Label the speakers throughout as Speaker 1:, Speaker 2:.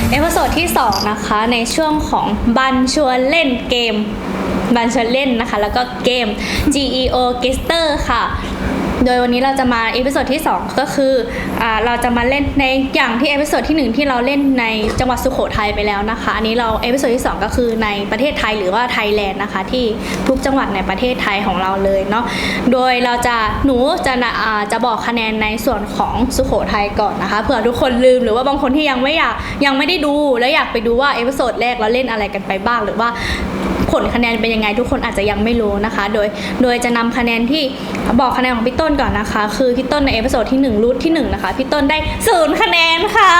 Speaker 1: เอพิโซดที่2นะคะในช่วงของบันชวนเล่นเกมบันชวนเล่นนะคะแล้วก็เกม GEO Gester ค่ะโดยวันนี้เราจะมาเอพิโซดที่2ก็คือเราจะมาเล่นในอย่างที่เอพิโซดที่1ที่เราเล่นในจังหวัดสุโขทัยไปแล้วนะคะอันนี้เราเอพิโซดที่2ก็คือในประเทศไทยหรือว่าไทยแลนด์นะคะที่ทุกจังหวัดในประเทศไทยของเราเลยเนาะโดยหนูจะบอกคะแนนในส่วนของสุโขทัยก่อนนะคะเผื่อทุกคนลืมหรือว่าบางคนที่ยังไม่ได้ดูแล้วอยากไปดูว่าเอพิโซดแรกเราเล่นอะไรกันไปบ้างหรือว่าผลคะแนนเป็นยังไงทุกคนอาจจะยังไม่รู้นะคะโดยจะนำคะแนนที่บอกคะแนนของพี่ต้นก่อนนะคะคือพี่ต้นในเอพิโซดที่1รูทที่1นะคะพี่ต้นได้0คะแนนค่ะ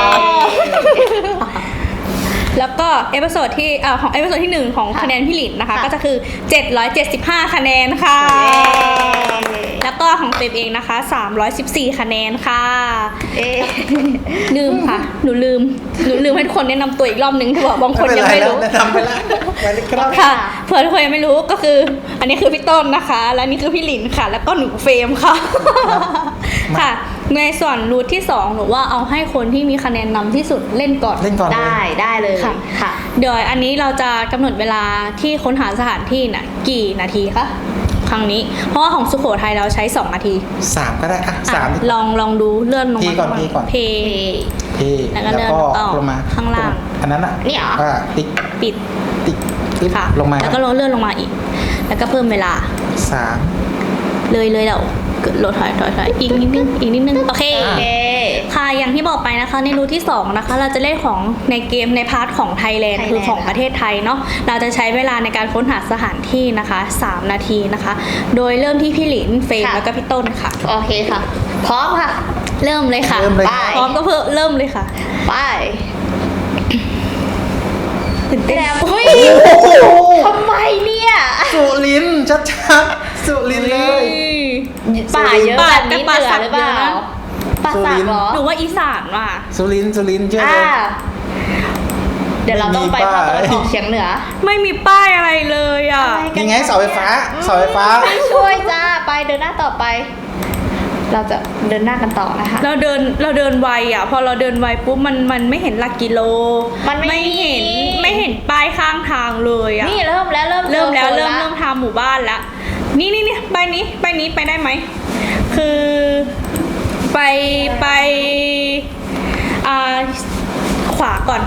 Speaker 1: แล้วก็เอพิโซดที่ของเอพิโซดที่1ของคะแนนพี่หลินนะคะก็จะคือ775คะแนนค่ะแล้วก็ของเต็มเองนะคะ314คะแนนค่ะลืมค่ะหนูลืมให้ทุกคนแนะนำตัวอีกรอบนึงที่บอกบางคนยังไม่รู้
Speaker 2: แนะนำไปแล้วไปเลยครับ
Speaker 1: ค่ะเผื่อทุกคนยังไม่รู้ก็คืออันนี้คือพี่ต้นนะคะและนี่คือพี่หลินค่ะแล้วก็หนูเฟรมค่ะค่ะในส่วนรูทที่2หนูว่าเอาให้คนที่มีคะแนนนำที่สุดเล่นก่อน
Speaker 3: ได้เลย
Speaker 1: ค่ะเดี๋ยวอันนี้เราจะกำหนดเวลาที่ค้นหาสถานที่น่ะกี่นาทีคะครั้งนี้เพราะว่าของสุโขทัยเราใช้2นาที
Speaker 2: 3ก็ได้ค่ะ3
Speaker 1: ลองดูเลื่อนลงมา
Speaker 2: ก่อน
Speaker 1: เพแล้วก็เลื่อนต่อข้างล่าง
Speaker 2: อันนั้นอ่ะ
Speaker 3: นี่เหรอ
Speaker 1: ปิดค่ะ
Speaker 2: ลงมา
Speaker 1: แล้วก็เลื่อนลงมาอีกแล้วก็เพิ่มเวลา
Speaker 2: 3
Speaker 1: เลยเราลดถอยอีกนิดนึงโอเคค่ะอย่างที่บอกไปนะคะในรูทที่2นะคะเราจะเล่นของในเกมในพาร์ทของไทยแลนด์คือของประเทศไทยเนาะเราจะใช้เวลาในการค้นหาสถานที่นะคะ3นาทีนะคะโดยเริ่มที่พี่หลินเฟรมแล้วก็พี่ต้นค่ะ
Speaker 3: โอเคค่ะพร้อมค่ะ
Speaker 1: เริ่มเลยค่ะพร้อมก็เริ่มเลยค่ะ
Speaker 3: ไป
Speaker 1: ตื่นเต้น
Speaker 3: แล้วทำไมเนี่ย
Speaker 2: สุรินทร์ชัดๆสุรินทร์เลย
Speaker 3: ป่าเยอะแบบนี้เหนือหรือเปล่าป่าสักเหรอ
Speaker 1: หนูว่าอีสานว่ะ
Speaker 2: สุรินทร์เชื่อเลย
Speaker 3: เดี๋ยวเราต้องไปภาคตะวันออกเฉียงเหนือ
Speaker 1: ไม่มีป้ายอะไรเลยอ่ะ
Speaker 2: ยังไงเสาไฟฟ้า
Speaker 3: ไม่ช่วยจ้าไปเดินหน้าต่อไปเราจะเดินหน้ากันต่อนะคะ
Speaker 1: เราเดินไวอ่ะพอเราเดินไวปุ๊บมันไม่เห็นหลักกิโล
Speaker 3: มันไม่
Speaker 1: เห็นป้ายข้างทางเลยอ่ะ
Speaker 3: นี่เริ่ม
Speaker 1: ทางหมู่บ้านแล้วนี่ไปนี้ไปได้ไหมคือไปขวาก่อน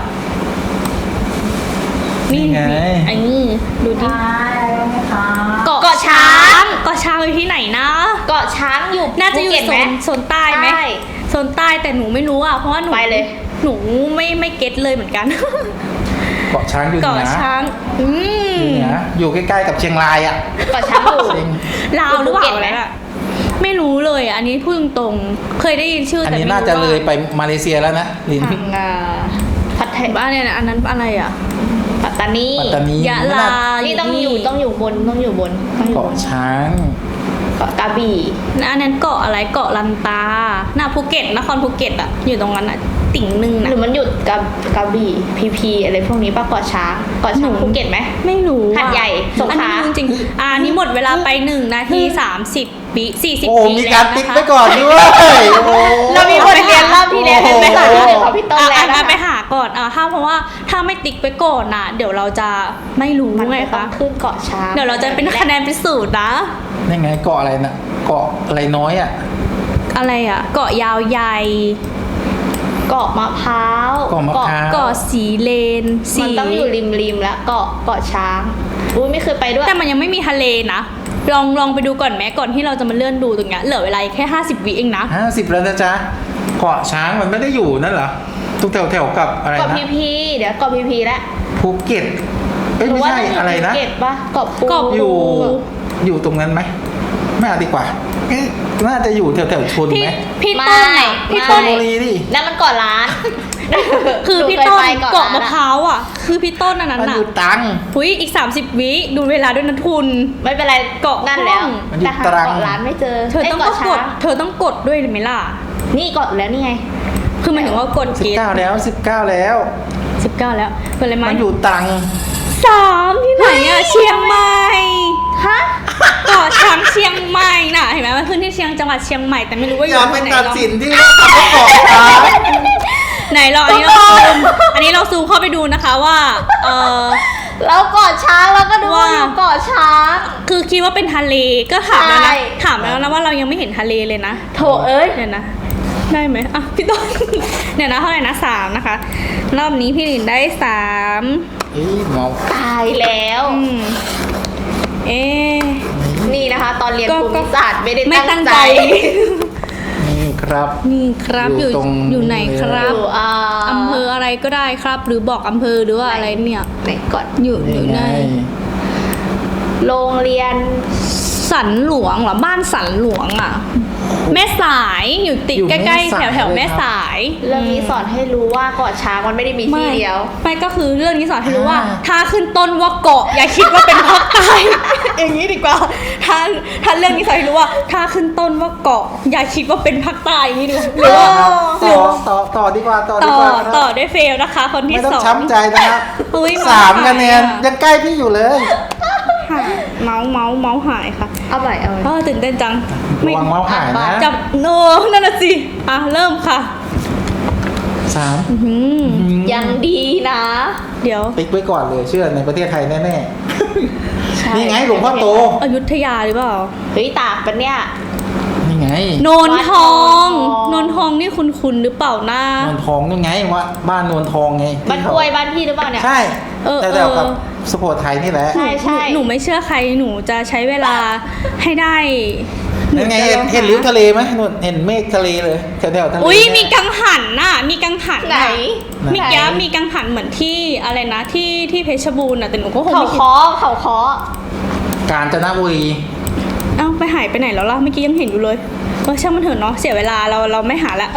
Speaker 1: นี่อันนี้ดูดิเกาะช้างอยู่ที่ไหนนะ
Speaker 3: เกาะช้างอยู่
Speaker 1: น่าจะอยู่โซนใต้ไหมโซนใต้แต่หนูไม่รู้อ่ะเพราะว่าหนู
Speaker 3: ไปเลย
Speaker 1: หนูไม่เก็ตเลยเหมือนกัน
Speaker 2: เกาะช้างอยู่เหนือ
Speaker 1: เกาะช้าง
Speaker 2: อยู่ใกล้ๆกับเชียงรายอ่ะ
Speaker 3: เกาะช้างอยู่
Speaker 1: ลาวหรือเปล่าเนี่ยไม่รู้เลยอันนี้พูดตรงเคยได้ยินชื่อแต่ไม่รู้
Speaker 2: อันนี้น่าจะเลยไปมาเลเซียแล้วนะลิน
Speaker 1: พัทยาเนี่ยอันนั้นอะไรอ่ะ
Speaker 3: ปัตตานี
Speaker 1: ยะลา
Speaker 3: นี่ต้องอยู่บน
Speaker 2: เกาะช้าง
Speaker 3: เกาะกระบี่
Speaker 1: อันนั้นเกาะอะไรเกาะลันตาหน้าภูเก็ตนครภูเก็ตอ่ะอยู่ตรงนั้นอ่ะติ่งนึงนะ
Speaker 3: หรือมันหยุดกระบี่พีอะไรพวกนี้ป่ะเกาะช้างภูเก็ตไหม
Speaker 1: ไม่รู้
Speaker 3: หาดใหญ่สงขลา
Speaker 1: จริงๆนี่หมดเวลาไป1นาที30วิ40วิ
Speaker 2: มีการติ๊กไปก่อนด้วย
Speaker 3: เรามีบทเรียนรอบที่แล้วไปหาของพี่ต้นแล้ว
Speaker 1: ไปหาก่อนเพราะว่าถ้าไม่ติ๊กไปก่อนนะเดี๋ยวเราจะไม่รู้ไงคะ
Speaker 3: ขึ้นเกาะช้าง
Speaker 1: เดี๋ยวเราจะเป็นคะแนนพิสูจน์นะ
Speaker 2: นี่ไงเกาะอะไรนะเกาะอะไรน้อยอ่ะ
Speaker 1: อะไรอ่ะเกาะยาวใหญ่
Speaker 3: เกาะมะพร้าว
Speaker 1: เกาะสีเลน
Speaker 3: มันต้องอยู่ริมแล้วเกาะช้างไม่เคยไปด้วย
Speaker 1: แต่มันยังไม่มีทะเลนะลองไปดูก่อนแม้ก่อนที่เราจะมาเลื่อนดูตรงเนี้ยเหลือเวลาแค่50วิเองนะ
Speaker 2: 50แล้วนะจ๊ะเกาะช้างมันไม่ได้อยู่นั่นเหรอทุกแถวกับอะไรนะ
Speaker 3: เกาะพีเดี๋ยวเกาะพีแล้ว
Speaker 2: ภูเก็ตไม่ใช่อะไรนะ
Speaker 3: ภูเก็ตปะเกาะปู
Speaker 2: อยู่ตรงนั้นไหมไม่เอาดีกว่าน่าจะอยู่แถวชนไหม
Speaker 1: พี่ต้น
Speaker 2: พี่ต้นบุรีดิ
Speaker 3: นั่นมันเกาะล้าน
Speaker 1: คือพี่ต้นเกาะมะพร้าวอ่ะคือพี่ต้นอันนั้น
Speaker 2: น่ะมันอยู่ตัง
Speaker 1: อีก30วิดูเวลาด้วยนะทุน
Speaker 3: ไม่เป็นไรเกาะนั่นแล้ว
Speaker 2: แต่หาเกา
Speaker 3: ะล้านไม่เจอ
Speaker 1: เธอต้องกดด้วยหรือไม่ล่ะ
Speaker 3: นี่กดแล้วนี่ไง
Speaker 1: คือหมายถึงว่ากด
Speaker 2: 19แล้ว
Speaker 1: แล้วเป็นอะไรไหม
Speaker 2: มันอยู่ตัง
Speaker 1: 3ที่ไหนอ่ะเชียงใหม่เกาะช้างเชียงใหม่น่ะเห็นไหมมันขึ้นที่จังหวัดเชียงใหม่แต่ไม่รู้ว่าอยู่ที่ไหน
Speaker 2: อย่าไปตัดสินที่ว่าเกาะช้าง
Speaker 1: ไหนเราอันนี้เราซูมอันนี้เราซูมเข้าไปดูนะคะว่า
Speaker 3: เราเกาะช้างแล้วก็ดูว่า
Speaker 1: ว่า
Speaker 3: อยู่เกาะช้าง
Speaker 1: คือคิดว่าเป็นทะเลก็ถามแล้ว
Speaker 3: ใช่
Speaker 1: นะถามแล้วนะว่าเรายังไม่เห็นทะเลเลยนะ
Speaker 3: โถเอ้ย
Speaker 1: เดี๋ยวนะได้ไหมอ่ะพี่ต้น เดี๋ยวนะเท่าไหร่นะ3นะคะรอบนี้พี่หลินได้3
Speaker 2: เอ้ยเมา
Speaker 3: ตายแล้ว
Speaker 1: เอ๊ะ
Speaker 3: นี่นะคะ ตอนเรียน
Speaker 1: ก็
Speaker 3: ภูมิศาสตร์ไม่ได้
Speaker 1: ไม่
Speaker 3: ตั้
Speaker 1: ตั้
Speaker 3: ง
Speaker 1: ง
Speaker 3: ใจ
Speaker 1: ใจ
Speaker 2: นี่ครับ
Speaker 1: นี่ครับ
Speaker 2: อยู่ตรง
Speaker 1: อยู่ไหนค
Speaker 3: อ
Speaker 1: รับ
Speaker 3: ยู่
Speaker 1: อำเภออะไรก็ได้ครับ หรือบอกอำเภอหรือว่าอะไรเนี่ย
Speaker 3: ไหนก่อน
Speaker 1: อยู่ใน
Speaker 3: โรงเรียน
Speaker 1: สันหลวงเหรอบ้านสันหลวงอ่ะ แม่สายอยู่ติด
Speaker 2: อยู่
Speaker 1: ใก
Speaker 2: แม่
Speaker 1: ล้
Speaker 2: สาย
Speaker 1: ๆแถว
Speaker 2: เลย
Speaker 1: แม่
Speaker 2: ครับ
Speaker 1: สาย
Speaker 3: เรื่องนี้สอนให้รู้ว่าเกาะช้างมันไม่ได้มีที่เดียว
Speaker 1: ไม่ก็คือเรื่องนี้สอนให้รู้ว่า
Speaker 2: อ่า
Speaker 1: ถ้าขึ้นต้นว่าเกาะอย่าคิดว่าเป็นภาคใต้ อย่างนี้ดีกว่าถ้าเรื่องนี้สอนให้รู้ว่า ถ้าขึ้นต้นว่าเกาะอย่าคิดว่าเป็นภาคใต้อย่างนี้ดีกว่าหรือว่า
Speaker 2: ต่อดีกว่าต่อ
Speaker 1: ต่
Speaker 2: ดี
Speaker 1: อก
Speaker 2: ว่าครับ
Speaker 1: ต่อด้วยเฟลนะคะ คนที่
Speaker 2: ไม่ต้อง
Speaker 1: สอง
Speaker 2: ช้ำใจนะครับ
Speaker 1: อุ๊ย
Speaker 2: 3 คะแนน
Speaker 1: อะ
Speaker 2: ยังใกล้พี่อยู่เลย
Speaker 1: หายเมาส์หายค่ะ
Speaker 3: เอาใหม่
Speaker 1: ตื่นเต้นจัง
Speaker 2: ระวังเมาส์หายนะ
Speaker 1: จับโนนั่นน่ะสิอ่ะเริ่มค่ะ
Speaker 2: 3
Speaker 1: อื้อหือ
Speaker 3: ยังดีนะ
Speaker 1: เดี๋ยว
Speaker 2: ติ๊กไว้ก่อนเลยเชื่อในประเทศไทยแน่
Speaker 3: ใช่
Speaker 2: ๆนี่ไงหลวงพ่อโต
Speaker 1: อยุธยาหรือเปล่า
Speaker 3: เฮ้ยตากปะเนี่ย
Speaker 2: นี่ไง
Speaker 1: โนนทอง
Speaker 3: วัดโนนทอง
Speaker 1: โนนทองนี่คุณหรือเปล่านะ
Speaker 2: นวลทองนี่ไงว่าบ้านนวลทองไง
Speaker 3: บ้านกล้วยบ้านพี่หรือเปล่าเนี่ย
Speaker 2: ใช่
Speaker 1: เออ
Speaker 2: แต่แถวกับสุโขทัยนี่แหละ
Speaker 3: ใช่ใช่
Speaker 1: หนูไม่เชื่อใครหนูจะใช้เวลาให้ได้
Speaker 2: นั่นไง
Speaker 1: จะลอ
Speaker 2: เห็นริ้วทะเลไหมนู่นเห็นเมฆทะเลเลยแถวๆทะเล
Speaker 1: อุ้ย
Speaker 2: เนี่
Speaker 1: มีกังหันน่ะมีกังหัน
Speaker 3: ไหน
Speaker 1: น่ะ
Speaker 2: ไหน
Speaker 1: มีแก้มีกังหันเหมือนที่อะไรนะที่เพชรบูรณ์น่ะแต่หนูก็คง
Speaker 3: เขา
Speaker 1: ไม่คิด
Speaker 3: เคาะเขาเคาะ
Speaker 2: กาญจนบุรี
Speaker 1: เอ้าไปหายไปไหนแล้วล่ะเมื่อกี้ยังเห็นอยู่เลยช่างมันเถอะเนาะเสียเวลาเราไม่หาละ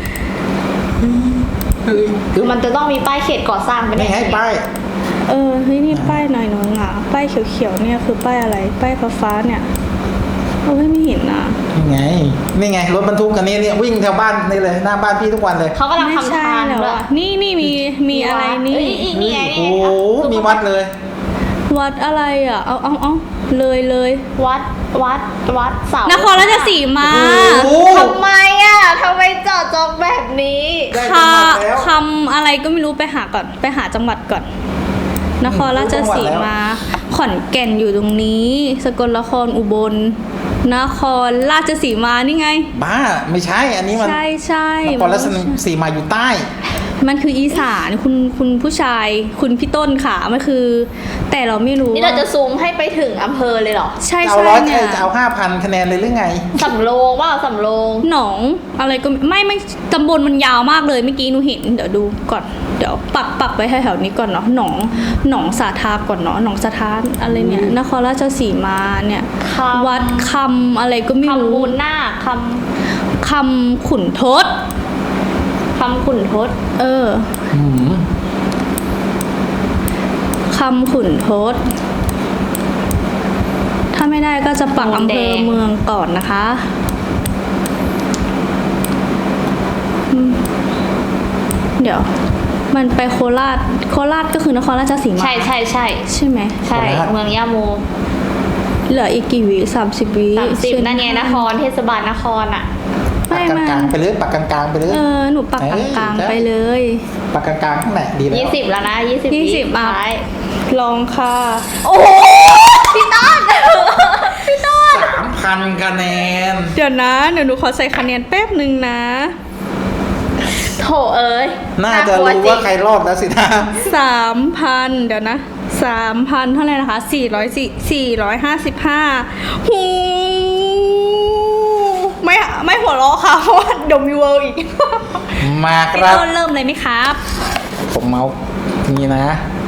Speaker 3: มันจะต้องมีป้ายเขตก่อสร้างไป
Speaker 2: นี่ไงป้าย
Speaker 1: เฮ้ยนี่ป้ายหน่อยหนอ่ะป้ายเขียวๆเนี่ยคือป้ายอะไรป้ายฟ้าๆเนี่ยไม่เห็นอ่ะ
Speaker 2: นี่ไงรถบรรทุกคันนี้เนี่ยวิ่งแถวบ้านนี่เลยหน้าบ้านพี่ทุกวันเลย
Speaker 3: เขากำลัง
Speaker 1: ไม่
Speaker 3: ทำ
Speaker 1: ใช่
Speaker 3: ทาง
Speaker 1: แล้ว
Speaker 3: ด้วย
Speaker 1: อ่ะนี่มีอะไรนี่
Speaker 3: เอ้ยนี่ไง
Speaker 2: โอ้
Speaker 3: นี่ไง
Speaker 2: โหมีวัดเลย
Speaker 1: วัดอะไรอ่ะเอาเลย
Speaker 3: วัดเสาน
Speaker 1: ครราชสีมา
Speaker 2: โอ้โห
Speaker 3: ทำไมอ่ะทำไมเจาะจงแบบนี้
Speaker 2: ได้จังหวัดแล้ว
Speaker 1: คำอะไรก็ไม่รู้ไปหาก่อนไปหาจังหวัดก่อน นครราชสีมาขอนแก่นอยู่ตรงนี้ สกลนครอุบลนครราชสีมานี่ไง
Speaker 2: บ้าไม่ใช่อันนี้มัน
Speaker 1: ใช่
Speaker 2: นครราชสีมาอยู่ใต้
Speaker 1: มันคืออีสานคุณผู้ชายคุณพี่ต้นค่ะมันคือ แต่เราไม่รู้
Speaker 3: นี่เราจะซูมให้ไปถึงอำเภอเลยเหรอ
Speaker 1: ใช่
Speaker 2: จะเอาร้อย
Speaker 1: เนี่ย
Speaker 2: จะเอา5,000 คะแนนเลยหรือไง
Speaker 3: สำโรงว่าสำโรง
Speaker 1: หนองอะไรก็ไม่ตำบลมันยาวมากเลยเมื่อกี้หนูเห็นเดี๋ยวดูก่อนเดี๋ยวปักไว้แถวๆนี้ก่อนเนาะหนองสาทาก่อนเนาะหนองสาทานอะไรเนี่ยนครราชสีมาเนี่ยวัดคำอะไรก็ไม่
Speaker 3: คำ
Speaker 1: รู้
Speaker 3: บูนนาค
Speaker 1: คำขุนทศ
Speaker 3: คำขุนทศ
Speaker 2: อืม
Speaker 1: คำขุนทศถ้าไม่ได้ก็จะปักอำเภอเมืองก่อนนะคะเดี๋ยวมันไปโคราชก็คือนครราชสีมา
Speaker 3: ใช่
Speaker 1: ใช่ไหม
Speaker 3: ใช่เมืองย่าโม
Speaker 1: เหลืออีกกี่วิ30 วิ
Speaker 3: 30นั่นไงนครเทศบาลนครอ่ะ
Speaker 2: ปักกลางๆไปเลยปักกลางๆไปเลย
Speaker 1: หนูปักกลางๆไปเลย
Speaker 2: ปักกลางๆข้างไหนดีแล้ว
Speaker 3: 20แล้วนะ20
Speaker 1: 20อ่ะ
Speaker 3: ท้าย
Speaker 1: ลองค่ะ
Speaker 3: โอ้โหพี่ต้น
Speaker 2: 3,000 คะแนน
Speaker 1: เดี๋ยวนะเดี๋ยวหนูขอใส่คะแนนแป๊บหนึ่งนะ
Speaker 3: โถเอ้ย
Speaker 2: น่าจะรู้ว่าใครรอดแล้วสินะ
Speaker 1: 3,000เดี๋ยวนะ3,000เท่าไหร่นะคะ455หูไม่หัวเราะค่ะเพราะว่าเดยวมีเวิร์อีก
Speaker 2: มาค
Speaker 1: พี่
Speaker 2: รับ
Speaker 1: ต้นเริ่มเลยไหมครับ
Speaker 2: ผมเมาส์นี่นะ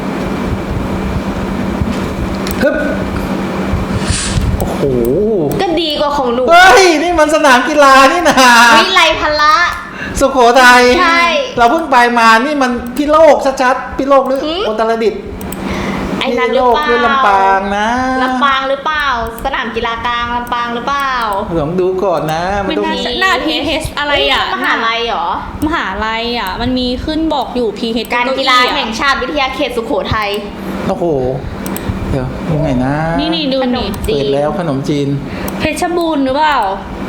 Speaker 2: ฮึบโอ้โห
Speaker 3: ก็ดีกว่าของหนู
Speaker 2: เฮ้ย นี่มันสนามกีฬานี่นะ
Speaker 3: วิไลพละ
Speaker 2: สุโขทัย
Speaker 3: ใช่
Speaker 2: เราเพิ่งไปมานี่มันพิโลกชัดๆพิโลกหรือ
Speaker 3: หืม
Speaker 2: อุตรดิตถ์
Speaker 3: ไอ้นั่นห
Speaker 2: พิ
Speaker 3: รื
Speaker 2: โล
Speaker 3: อก เปล่า
Speaker 2: หรือลำปางนะ
Speaker 3: ลำปางหรือเปล่า สนามกีฬากลางลำปางหรือเปล่า
Speaker 2: ลองดูก่อนนะ มัน
Speaker 1: ไม่
Speaker 2: ต้อง
Speaker 1: น่าจะหน้า PH อะไรอ่ะ
Speaker 3: มหาลัยเหรอ
Speaker 1: มหาลัยอ่ะ มันมีขึ้นบอกอยู่ PH
Speaker 3: การกีฬาแห่งชาติวิทยาเขตสุโขทัย
Speaker 2: โอ้โห เดี๋ยวยังไงนะ
Speaker 1: นี่ดู
Speaker 3: ขน
Speaker 1: นี่
Speaker 3: มจี
Speaker 2: เปิด
Speaker 3: น
Speaker 2: แล้วขนมจีน
Speaker 1: เพชรบูรณ์หรือเปล่า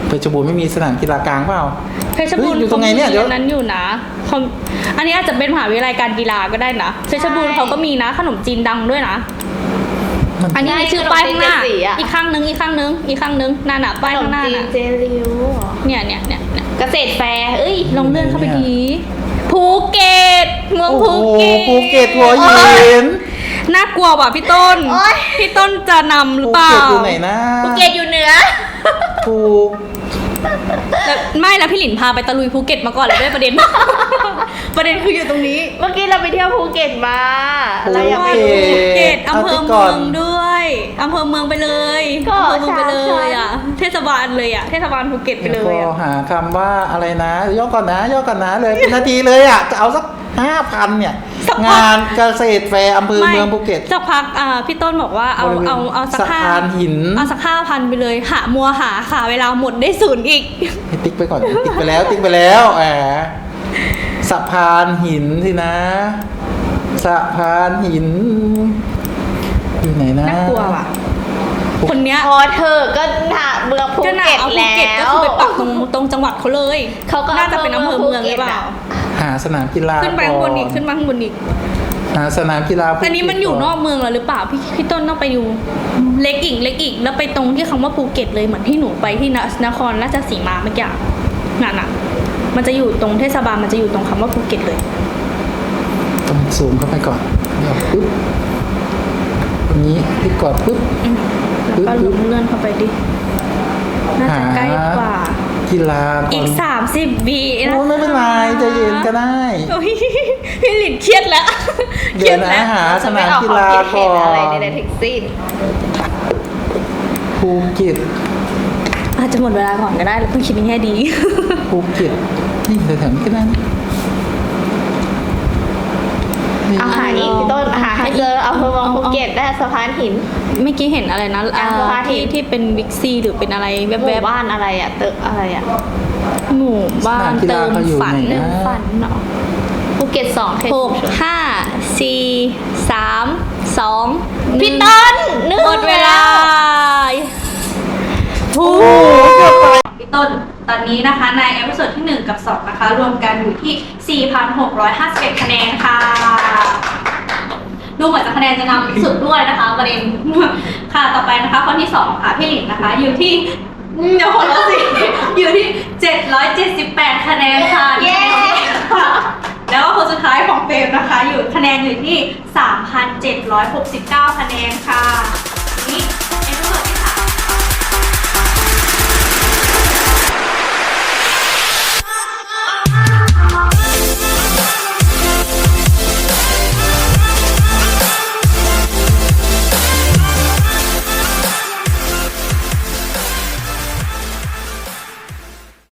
Speaker 2: เพชรบูรณ์ไม่มีสนามกีฬากลางเปล่า
Speaker 1: เพชรบูรณ์
Speaker 2: เฮ้ยอยู่ตรงไหนเนี่ยเดี๋ยว
Speaker 1: ขามีอันั้นอยู่นะเขาอันนี้อาจจะเป็นมหาวิทยาลัยการกีฬาก็ได้นะเพชรบูรณ์เขาก็มีนะขนมจีนดังด้วยนะ อันนี้มีชื่อป้ายข้างหน้า อีกข้างนึงนั่นน่ะป้ายข้างหน้า
Speaker 3: ขมจี
Speaker 1: น่ะ
Speaker 3: เจริว
Speaker 1: เนี่ย
Speaker 3: เกษตรแฟร์เอ้ย
Speaker 1: ลองเลื่อนเข้าไปดีภูเก็ตเมือง
Speaker 2: โอ้
Speaker 1: ภู
Speaker 2: โห
Speaker 1: เก็ต
Speaker 2: ภูเก็ตหัวหิน
Speaker 1: น่ากลัวว่ะพี่ต้น
Speaker 3: โอ๊ย
Speaker 1: พี่ต้นจะนำหรือ
Speaker 2: ภู
Speaker 1: เปล่า
Speaker 2: เก็ตอยู่ไหนนะ
Speaker 3: ภูเก็ตอยู่เหนือ
Speaker 2: ภู
Speaker 1: แล้วไม่แล้วพี่หลินพาไปตะลุยภูเก็ตมาก่อนเลยด้วยประเด็น ประเด็นคืออยู่ตรงนี้
Speaker 3: เมื่อกี้เราไปเที่ยวภูเก็ตมาเราอยากไป
Speaker 1: ภู
Speaker 3: ดู
Speaker 1: เก็ตอำเภอ
Speaker 2: ที่
Speaker 1: เมื
Speaker 2: ก่อน
Speaker 1: องด้วยอำเภอเมืองไปเลย
Speaker 3: ก็
Speaker 1: อำเภอเมืองไปเลยอ่ะ
Speaker 3: ใช่
Speaker 1: เทศบาลเลยอ่ะเทศบาลภูเก็ตไปเลย
Speaker 2: พ
Speaker 1: อ่ะ
Speaker 2: อหาคำว่าอะไรนะย่อก่อนนะเลยเป็นนาทีเลยอ่ะจะเอาสัก 5,000 เนี่ย งานเกษตรแฟร์อำเภอเมืองภูเก็ต
Speaker 1: สักพักพี่ต้นบอกว่าเอา
Speaker 2: บริเวณ
Speaker 1: เอาสัก
Speaker 2: สะพานหิน
Speaker 1: เอาสัก5,000ไปเลยหาค่ะเวลาหมดได้ศูนย์อีก
Speaker 2: ให้ติ๊กไปก่อน ติ๊กไปแล้วแหมสะพานหินสินะสะพานหินอยู่ไหนนะ
Speaker 1: น่ากลัวว่ะ คนเนี้ย
Speaker 3: พอเธอก็หาเมืองภู
Speaker 1: ก็น่า
Speaker 3: เก็ต
Speaker 1: เอาภู
Speaker 3: แล้
Speaker 1: เก็ตก็
Speaker 3: ว
Speaker 1: คือไปปักตรงจังหวัดเขาเลย
Speaker 3: เขาก็
Speaker 1: น่าจะเป็นอำเภอเมืองหรือเปล่า
Speaker 2: หาสนามกีฬา
Speaker 1: ขึ้นไปข้างบนอีก
Speaker 2: ก่
Speaker 1: ขึ้นมาข้างบนอีก
Speaker 2: หาสนามกีฬาภูเก็ต
Speaker 1: อันนี้มันอยู่นอกเมืองแล้วหรือเปล่าพี่ต้นต้องไปดูเล็กอีกแล้วไปตรงที่คำว่าภูเก็ตเลยเหมือนที่หนูไปที่นครราชสีมาเมื่อกี้นั่นน่ะมันจะอยู่ตรงเทศบาลมันจะอยู่ตรงคำว่าภูเก็ตเลย
Speaker 2: ต้องซูมเข้าไปก่อนเดี๋ยวปึ๊บตรงนี้คลิกก่อนปึ๊บ
Speaker 1: แล้วก็ลงเลื่อนเข้าไปดิน่าจะใกล้กว่า
Speaker 2: กีฬา
Speaker 1: อีก30 วินะ
Speaker 2: โอ้ไม่เป็นไรใจเย็นก็ได้
Speaker 1: โอ้ยพี่หลินเครียดแล้ว
Speaker 2: เดี๋ยวนะหาสนามกีฬา
Speaker 3: จะไม่
Speaker 2: ก่อ
Speaker 3: ออกความคิดเห็นอะไร
Speaker 2: น
Speaker 3: ใดๆทั้งสิ้น
Speaker 2: ภูเก็ต
Speaker 1: อาจจะหมดเวลาก่อนก็ได้เราต้องคิดในแง่ดี
Speaker 2: ภูเก็ตนี่แถวๆนี้ก็ได้นะนี่
Speaker 3: เอาหาอีกพี่ต้นหาให้เจออำเภอเมืองภูเก็ตได้สะพานหิน
Speaker 1: เมื่อกี้เห็นอะไรนะ
Speaker 3: สะพานหิน
Speaker 1: ที่เป็นบิ๊กซีหรือเป็นอะไรแว
Speaker 3: หมู่
Speaker 1: บ
Speaker 3: บ้านอะไรอะตึกอะไรอะ
Speaker 1: ๆหมู่บ้านเติมฝัน
Speaker 3: เรื่องฝันเนาะภูเก็ต2เขต
Speaker 1: 6 5 4 3 2
Speaker 3: พี่ต้นนึก
Speaker 1: หมดเวลา
Speaker 2: โอ้เกือบไป
Speaker 1: พี่ต้นตอนนี้นะคะในเอพิโซดที่ 1 กับ 2 นะคะ รวมกันอยู่ที่ 4,651 คะแนนค่ะ ดูเหมือนจะคะแนนจะนำสุดด้วยนะคะประเด็น ค่ะต่อไปนะคะคนที่ 2 ค่ะพี่หลินนะคะ อยู่ที่เดี๋ยวคนละสิ อยู่ที่ 778 คะแนนค่ะ
Speaker 3: เย้
Speaker 1: ค่ะแล้วก็คนสุดท้ายของเฟรมนะคะ อยู่คะแนนอยู่ที่ 3,769 คะแนนค่ะนี่